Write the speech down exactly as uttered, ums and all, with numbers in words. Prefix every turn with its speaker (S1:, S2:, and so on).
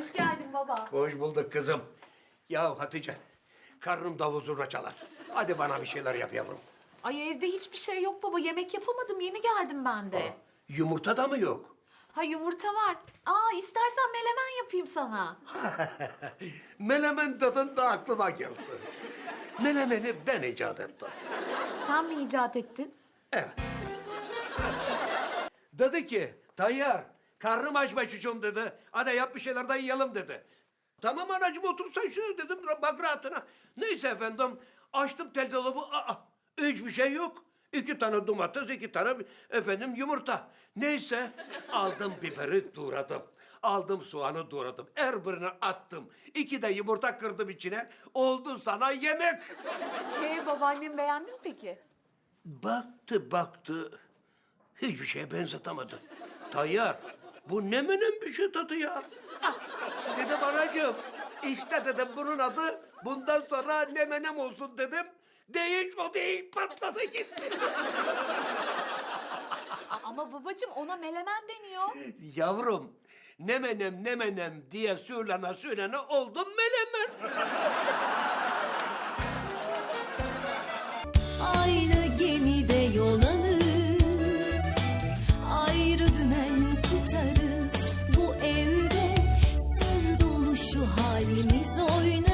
S1: Hoş geldin baba.
S2: Hoş bulduk kızım. Ya Hatice, karnım davul zurna çalar. Hadi bana bir şeyler yap yavrum.
S1: Ay evde hiçbir şey yok baba. Yemek yapamadım. Yeni geldim ben de.
S2: Yumurta da mı yok?
S1: Ha yumurta var. Aa istersen melemen yapayım sana.
S2: Melemen tadında aklıma geldi. Melemeni ben icat ettim.
S1: Sen mi icat ettin?
S2: Evet. Dedi ki, Tayyar, karnım aç be çocuğum dedi. Hadi yap bir şeylerden yiyelim dedi. Tamam anacığım otur sen şunu dedim, bak rahatına. Neyse efendim, açtım tel dolabı, aa, hiçbir şey yok. İki tane domates, iki tane efendim yumurta. Neyse, aldım biberi doğradım. Aldım soğanı doğradım. Her birini attım. İki de yumurta kırdım içine. Oldu sana yemek.
S1: Ee babaannem beğendi mi peki?
S2: Baktı baktı. Hiçbir şeye benzetemedi. Tayyar, bu ne menem bir şey tadı ya. Ah, dedim anacığım, işte dedim bunun adı bundan sonra ne menem olsun dedim. Değil o değil patladı gitti.
S1: Aa, ama babacığım ona melemen deniyor.
S2: Yavrum, ne menem ne menem diye söylene söylene oldum melemen.
S3: Aynı gemide yol alır, ayrı dümen tutarız. Bu evde sır dolu şu halimiz oynar.